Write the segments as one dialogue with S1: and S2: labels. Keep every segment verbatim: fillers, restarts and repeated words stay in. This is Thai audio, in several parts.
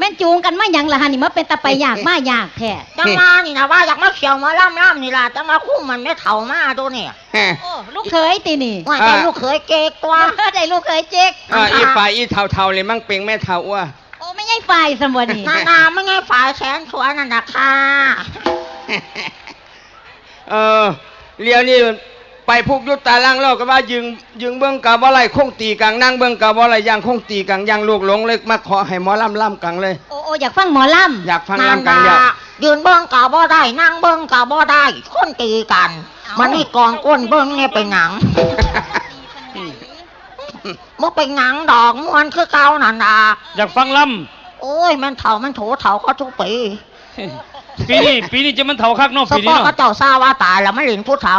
S1: ม่นจูงกันมาหยังล่ะฮะนี่มาเป็นตะไปยากมายากแท้
S2: จังมานี่นะว่าอยากมาเขียวมาล่ำล่ำนี่ล่ะจังมาคุ้มมันไม่เถ่ามาตัวเนี่ย
S1: โอ้ลูกเคยตีนี่
S2: ว่าได้ลูกเคยเก๊กตัว
S1: ได้ลูกเคยเจ๊ก
S3: อ่าอีฝ่ายอีเท่าๆเลยมั่งเป็งแม่เท่าว่า
S1: โอ้ไม่ใช่ฝ่ายสมบูรณ์นี่
S2: นานาไม่ใช่ฝ่ายแสนสวยนั่นนะค่ะ
S3: เออเลี้ยวนี่ไปพุกยุตตาล่างเล่ากันว่ายึงยึงเบื้องกาบ่ไรคงตีกังนั่งเบื้องกาบ่ไรย่างคงตีกังย่างลูกหลงเล็กมาขอให้หมอลำล่ำกังเลย
S1: โอ้โอ้อยากฟังหมอลำ
S3: อยากฟังลำกังเดียว
S2: ยืนเบื้องกาบ่ได้นั่งเบื้องกาบ่ได้คนตีกันมันนี่กองก้นเบื้องเนี่ยเป็นหนังมันเป็นหนังดอกมวนคือเก่านั่นนะ
S4: อยากฟังล
S2: ำโอ้ยมันเถ่ามันโถเถ่าก็ทุกปี
S4: ปีนี้ปีนี้จะมันเถ่าคักเนาะปีนี้
S2: เนาะก็เจ้าซาว่าตายแล้วไม่หลินผู้เถ่า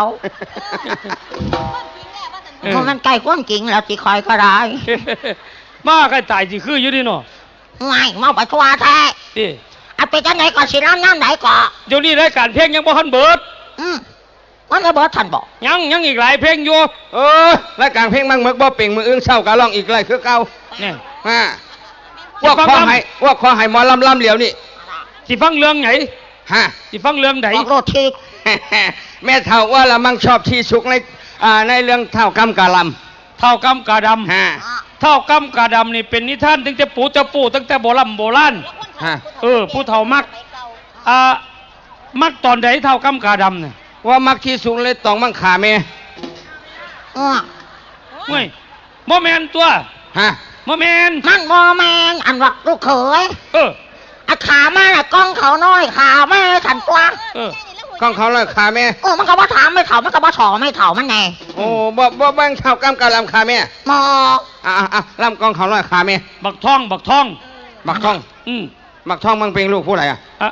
S2: เพราะมันใกล้ก้นกิ่งแล้วจีคอยก็ได้
S4: มาใกล้ตายจีคืออยู่ดิเนาะ
S2: ไม่มาไปทัวร์แท้เอาไปจังไหนก่อนสิน้ำน้ำไหนก่อน
S4: เดี๋ยวนี้รายการเพลงยังบ่ทันเบิด
S2: อืมมันจะเบิดทันบอก
S4: ยังยังอีกหลายเพลงอยู่
S3: เออรายการเพลงมั่งมึกบ่เป่งมืออึ้งเศร้ากะร้องอีกไรคือเก่า
S4: เนี่ย
S3: ฮะว่าขอให้ว่าขอให้หมอลำลำเหลียวนี่
S4: สิฟังเรื่องไหน
S3: ฮะ
S4: สิฟังเรื่องไหน
S2: โรที
S3: แม่เท่าว่าละมั่งชอบที่สุกในอ่าในเรื่องเท่ากำกะล
S4: ำเท่ากำกะดำ
S3: ฮะ
S4: เท่ากำกะดำนี่เป็นนิทานตั้งแต่ปู่จะปู่ตั้งแต่โบราณโบราณ
S3: ฮะ
S4: เออผู้เฒ่ามักอ่ามักตอนไหนเท่ากำกะดำเนี่ย
S3: ว่ามักที่สุกเลยต้องมั่งขาแม่
S2: อ๋อ
S4: เฮ้ยโมแมนตัว
S3: ฮะ
S4: โมแมน
S2: มันโมแมนอันวักลูกเขย
S4: เออ
S2: อาขาแม่กล้องเขาน้อยขาแม่ขันกว้าง
S4: เอ
S3: อกล้องเขาเลยขาแม่
S2: โอ้มันก็ว่าถามไม่เถ่ามันก็ว่าฉอไม่เถ่ามันไง
S3: โอ้บ่บ่บ้างเท่ากำกะลำขาแม่
S2: มอ
S3: อ่าอ่าลำกล้องเขาเลยขาแม่
S4: บักท่องบักท่อง
S3: บักท่อง
S4: อืม
S3: บักท่องมันเป็นลูกผู้ใดอ่ะ
S4: อ่ะ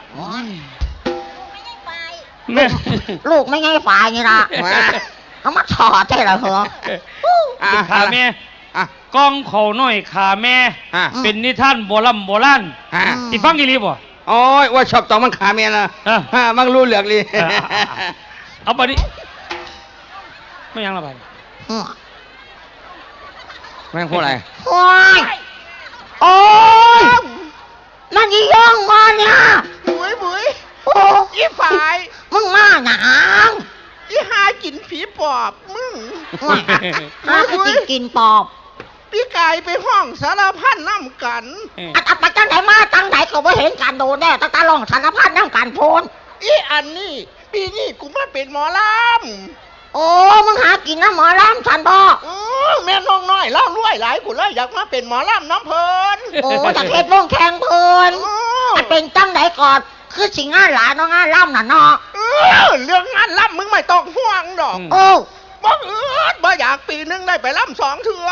S2: แม่ลูกไม่ไงฝ่ายนี่ละเขามาฉอใช่หรอเหรอ
S4: ขาแม่กล้องเขาน้อยขาแม่เป็นนิทานโบราณโบราณติฟังกี่รีบ่
S3: โอ้ยว่าชอบต้องมันขาเมียนะฮะมันรู้เหลือกเลย
S4: เอาไปดิไม่ยังละไป
S3: แม่งพูดอะไร
S2: โอ้ยโอ้ยนั่นยี่ย่องมาเนี่ย
S5: บุ๋ยบุ๋ย
S2: โอ้
S5: ยี่ฝ่าย
S2: มึงมาหนัง
S5: ยี่หากินผีปอบมึง
S2: หากินกินปอบ
S5: พี่กายไปห้องสารพัดน้ำกัน
S2: อัดอัดไปจังไหนมาจังไหนก็ไม่เห็นการโดนแน่ตั้งแต่ลองสารพัดน้ำกันโพน
S5: อีอันนี้ปีนี้กูมาเป็นหมอล
S2: ำโอ้มึงหากินน้ำหมอลำฉันบอก
S5: อือแม่น้องน้อยเล่ารวยหลายกูเลยอยากมาเป็นหมอลำน้ำเพลิน
S2: โอ้จากเพชรวงแข่งเพลินเป็นจังไหนก่อนคือสิ่งงานหลานน้องงานล่ำน่ะเนาะ
S5: เรื่องงานล่ำมึงไม่ต้องห่วงดอก
S2: โอ้
S5: บ่เอือดบ่อยากปีนึงได้ไปล่ำสองเถื่อ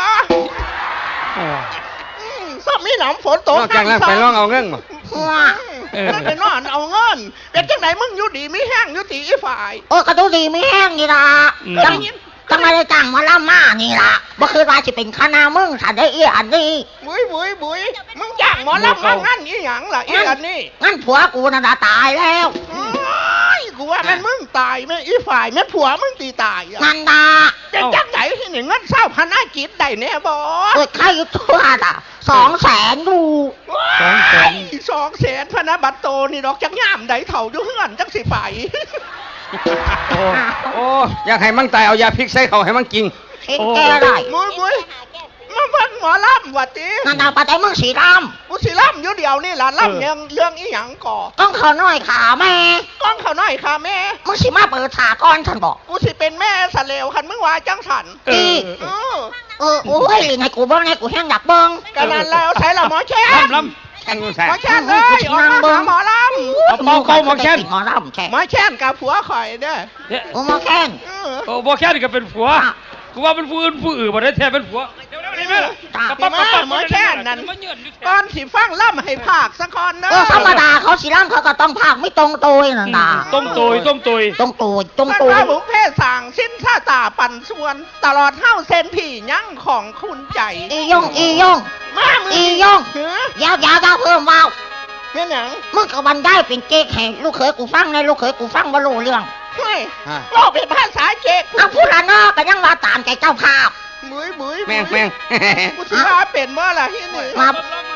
S5: ซ้ำมีหนำฝนตก
S3: นอกจากนั้นไปร้องเอาเงินมั้
S2: ว้า
S5: นั่นไปนอนเอาเงินเป็นจังไหนมึงอยู่ดีไม่แห้งอยู่ตีอีฝ่าย
S2: โอ้กระดูดีไม่แห้งนี่ล่ะจังจังไม่ได้จ้างมาล่ำมานี่ล่ะบ่คือว่าจะเป็นคณะมึงสันได้อีอันนี้
S5: บุ๋ยบุ๋ยบุ๋ยมึงจ้างหมอล่ำมางั้นอีหยังล่ะอีอันนี้
S2: งั้นผัวกูน่ะตายแล้ว
S5: กูว่ามันมึงตายไม่อีฝ่ายแม่ผัวมึงตีตาย
S2: นั่นดา
S5: เป็นจังไหนที่หนึ่งเงินเศร้าพนาจิตได้แน่บอ
S2: เกิดใครทั่วอ่ะสองแสนดู
S5: สองแสนสองแสนพนาบัตโตนี่ดอกจักย่ามได้เถ่าอยู่เฮือนจังสิไป
S3: โอ้โอ้อยากให้มั่งตายเอายาพิษใส่เขาให้มั่งกิน
S2: เห็นแก่ได้
S5: มุ้ยมุ้ยมาเบิ่งหมอลำวัดตี
S2: นั่นดาวปะแต่มึงสีล
S5: ำกูสีลำอยู่เดียวนี่ล่ะลำยังเรื่องอีหยังก่อ
S2: ก้องเขาน้อยขาแม่
S5: ก้องเขาน้อยขาแม่
S2: มึงสิมาเปิดขาก้อนฉันบอก
S5: กูสิเป็นแม่สะเลวคันมึงว่าจังสัน
S2: เออเออโอ้ยไงกูบ้างไงกูแห้งดักเบิ้ง
S5: กันนั้นแล้วใช้ละหมอแช่
S4: ลำ
S3: แช่นกูใส่
S5: หมอแช่เลยออกมาหาหมอล
S4: ำเป่าเป่าหมอแช่น
S2: หมอลำแช่
S5: หมอแช่นกับผัวข่อยเด้อ
S2: โอ้หมอแช่น
S4: โอ้หมอแช่นก็เป็นผัวกูว่าเป็นผู้อื่นผู้อื่นบ่ได้แท้เป็นผัวเดี๋ยวๆนี่แม่ล่ะ
S5: ปั๊บๆหมอแช่นนั่นก่อนสิฟังล่ำให้ภาคสักคนเด้อ
S2: ธรรมดาเขาสิล่ำเขาก็ต้องภาคไม่ตรงตัวนั่นน่ะ
S4: ตรงตัวตรงตัว
S2: ตรงตัวตรงตัว
S5: พระบุพเพสั่งสิ้นท่าตาปั่นส่วนตลอดเท่าเซนผียั่งของคุณใจ
S2: อียงอียง
S5: มา
S2: อียงยาวยาวยาวเพิ่มว้าว
S5: แม่หนัง
S2: มึงกับวันได้เป็นเก๊กแห่งลูกเขยกูฟังในลูกเขยกูฟังบ่รู้เรื่อง
S5: เฮ้ยเราเป็นภาษาเก๊ก
S2: เอาพูดละนอกก็ยังว่าตามใจเจ้าภาพ
S5: บุ๋ยบุ๋ย
S3: แม่งแม่ง
S5: กูถือว่าเป็นว่าล่ะที่หนึ่ง
S2: มา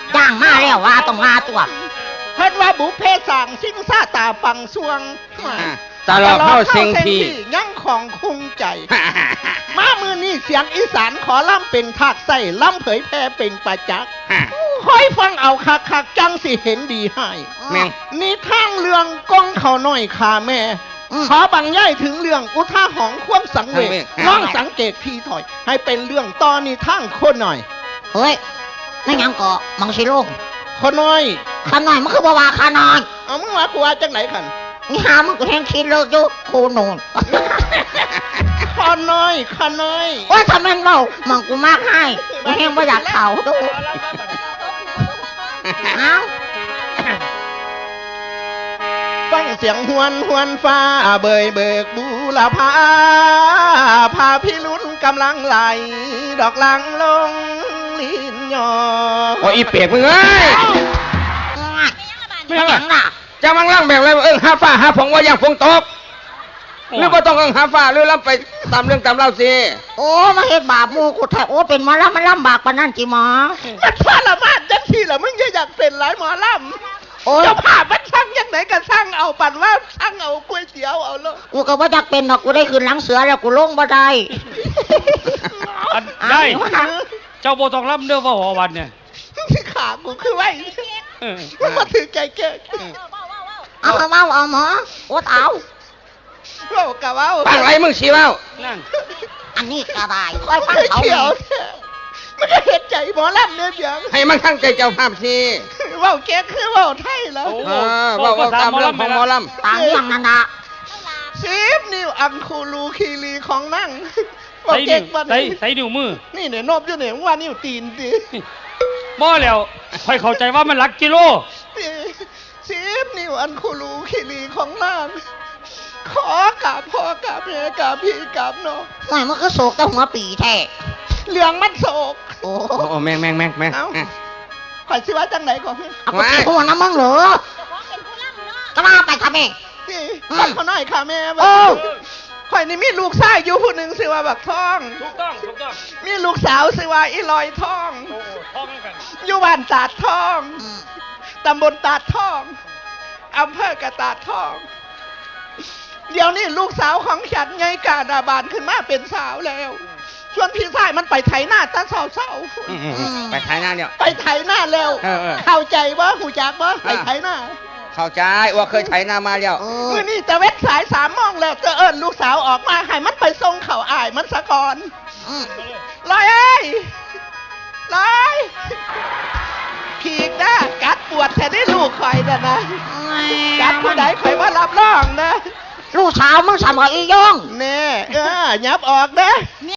S2: จ้างมาแล้วว่าต้องมาตัว
S5: เพิ่นว่าบุพเพสั่งสิ่งซาตาปังสวง
S3: อ่าตลอดเข้าเซ็งที
S5: ยังของคุ้งใจ มามือนี่เสียงอีสานขอล่ำเป็นทากไส้ล่ำเผยแพร่เป็นประจักษ์คอยฟังเอาคักคักๆจังสิเห็นดีให้
S3: แม่ง
S5: นี่ทางเรื่องกองเขาน้อยขาแม่
S2: อืม
S5: ขอบังย่ายถึงเรื่องอุท่าหองความสังเวช
S3: สังเวช
S5: น้องสังเกตทีถอย ให้เป็นเรื่องตอนนี้ทางคนหน่อย
S2: เฮ้ยนั่นยังเกาะมังสิลง
S5: คนน้อย
S2: ขาน้อยมันคือบ่ว่าขาน้อย
S5: เอามึงว่ากูว่าจังไหนขัน
S2: นี่หามันก็แห้งคิดเลิกอยู่โคโนน
S5: คนน้อยคนน้อย
S2: ว่าทำไมเมามังกูมากให้มันแห้งบ่อยากเข่าดูเอ้า
S5: ฟังเสียงหวนหวนฟ้าเบยเบิกบูรพาพาพี่ลุ้นกำลังไหล ดอกลังลงลิ้นยอ
S3: โอ้ยอีเปียกมึงเอ้ย
S2: ไม่หยังล่ะ
S3: จะมังล่างแบบไรเอิ้งหาฟ้าหาฝงว่าอย่างฝงตกหรือว่าต้องเอิ้งหาฟ้าหรือล่ำไปตามเรื่องตามเล่าสิ
S2: โอ้มาเฮ็ดบาปหมูกูแท้โอ้เป็นหมาแล้วมันลำบากปานนั้นจิหมอ
S5: มันพาละมาดจังทีละมึงจะอยากเป็นหลายหมอลำ
S2: โอ้ย
S5: เจ้าภาพมันสั่งยังไหนก็สั่งเอาปั่นว่าสั่งเอาก๋วยเตี๋ยวเอาเลย
S2: กูก็บ่อยากเป็นหรอกกูได้ขึ้นหลังเสือแล้วกูลงบ่ได้
S4: อันได้
S2: เอา
S4: เจ้าโบต้องรับเรื่องว่าหัววันเนี่ย
S5: ขากูคือไว้
S4: เออ
S5: มันมาถือใจแก่
S2: เอาเอาเอาเอาหมอโอ้เอา
S5: เว้ากะเว้า
S3: ฟังไรมึงชี้เว้า
S4: นั่น
S2: อันนี้ก็ได้ค่อยฟังเขา
S5: เขียว
S2: แม่
S5: มันก็เห็นใจหมอลำเนี่ยเพียง
S3: ให้มันทั้งใจเจ้าภาพสิ
S5: เว้าแก่คือเว้าไทยแล้ว
S4: โอ้
S3: เออเว่าเว่าตามเรื่องของหมอลำ
S2: ตามเรื่องนั่นนะ
S5: สิบนิ้วอังคูลูคีรีของนั่ง
S4: ใส่
S5: เก่
S4: นิ้
S5: ง
S4: ว
S5: ปัน
S4: ใส่ใส่นิ้วมือ
S5: นี่เนี่ยนบอยู่เนี่ยว่านิ้วตีนดิ
S4: บ่แล้วค่อยเข้าใจว่ามันหลักกิโล
S5: สิบนิ้วอันคูลูคีรีของนั่งขอกราบพ่อกราบแม่กราบพี่กราบน้อง
S2: หน่อยมันก็โศกแต่หัวปีแท้
S5: เหลืองมันโศก
S2: โอ้
S3: โอ้โอ้แม่งแม่งแม่งแม่ง
S5: เอ้า
S3: อ่ะ
S5: ข่อยสิว่าจังไหนก่อน
S2: เอาไปหัวน้ำมึงเหรอก็มาไปทำเอง
S5: นี่
S2: อืม
S5: ฟังเขาหน่อยค่ะแม่
S2: โอ้
S5: ข่อยนี่มีลูกชายอยู่ผู้หนึ่งชื่อว่าบักทอง
S4: ถูกต้องถูกต้อง
S5: มีลูกสาวชื่อว่าอีลอยทอง
S4: โอ้ท้องกัน
S5: อยู่บ้านตาดทอง
S2: อืม
S5: ตำบลตาดทองอำเภอกระตาดทอง เดี๋ยวนี้ลูกสาวของฉันไงกาดาบานขึ้นมาเป็นสาวแล้วชวนพี่ชายมันไปไถหน้าตาเศร้าเศร้าๆ
S3: อืมอืมอืมไปท้ายหน้าเดียว
S5: ไปไถหน้าแล้ว
S3: เออเออ
S5: เข้าใจว่าหูจักว่าไปไถหน้า
S3: เข้าใจว่าเคยไถหน้ามาแล้ว
S2: โอ้
S5: เมื่อนี่แต่เวทสายสามโมองแล้วจะเอิญลูกสาวออกมาให้มันไปส่งเข่าอายมันสะก่อน
S2: อืม
S5: ลอยเอ้ยลอยผีกนะกัดปวดแทนได้ลูกคอยนะนะกัดผู้ใดคอยว่ารับรองนะ
S2: ลูกสาวมึงสามกับอีย่อง
S5: แน่เออยับออกนะ